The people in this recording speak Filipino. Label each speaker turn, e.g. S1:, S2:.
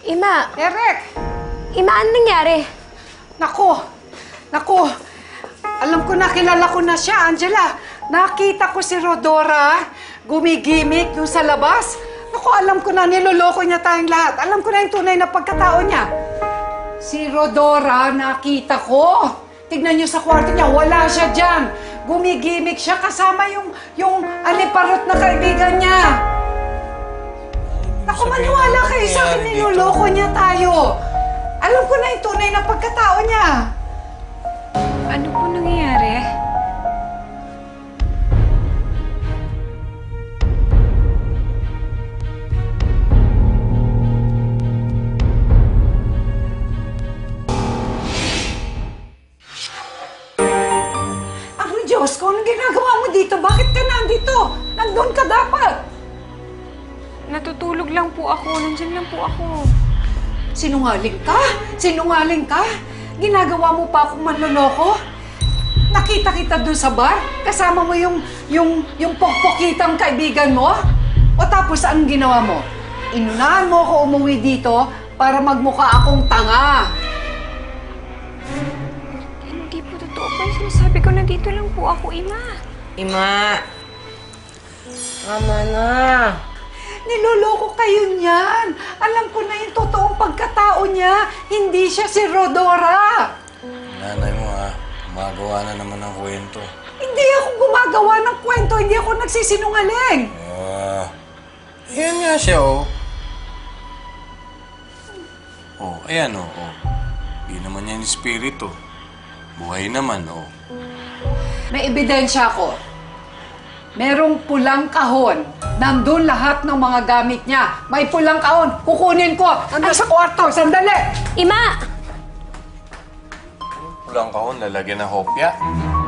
S1: Ima!
S2: Eric!
S1: Ima, ano nangyari?
S2: Naku! Alam ko na, kilala ko na siya, Angela. Nakita ko si Rodora, gumigimik dun sa labas. Naku, alam ko na, niloloko niya tayong lahat. Alam ko na yung tunay na pagkatao niya. Si Rodora, nakita ko. Tignan niyo sa kwarto niya, wala siya dyan. Gumigimik siya kasama yung aliparot na kaibigan niya. Naku, maniwala kayo sa akin, niloloko niya tayo. Alam ko na yung tunay na pagkatao niya.
S1: Ano po nangyayari?
S2: Diyos ko, anong ginagawa mo dito? Bakit ka nandito? Nandun ka dapat.
S1: Natutulog lang po ako. Nandiyan lang po ako.
S2: Sinungaling ka? Sinungaling ka? Ginagawa mo pa akong manloloko? Nakita kita dun sa bar? Kasama mo yung pokpokitang kaibigan mo? O tapos anong ginawa mo? Inunahan mo ako umuwi dito para magmukha akong tanga.
S1: Hindi po totoo po yung sinasabi ko. Nandito lang po ako, Ima.
S3: Ima! Tama na!
S2: Niloloko kayo niyan. Alam ko na yung totoong pagkatao niya. Hindi siya si Rodora.
S4: Nanay mo ha, gumagawa na naman ng kwento.
S2: Hindi ako gumagawa ng kwento. Hindi ako nagsisinungaling.
S4: Ayan nga siya oh. Oh, ayan oh. Di naman yan yung spirit oh. Buhay naman oh.
S2: May ebidensya ako. Merong pulang kahon. Nandun lahat ng mga gamit niya. May pulang kahon. Kukunin ko. Nandun sa kwarto. Sandali!
S1: Ima!
S4: Pulang kahon, lalagyan ng hopya.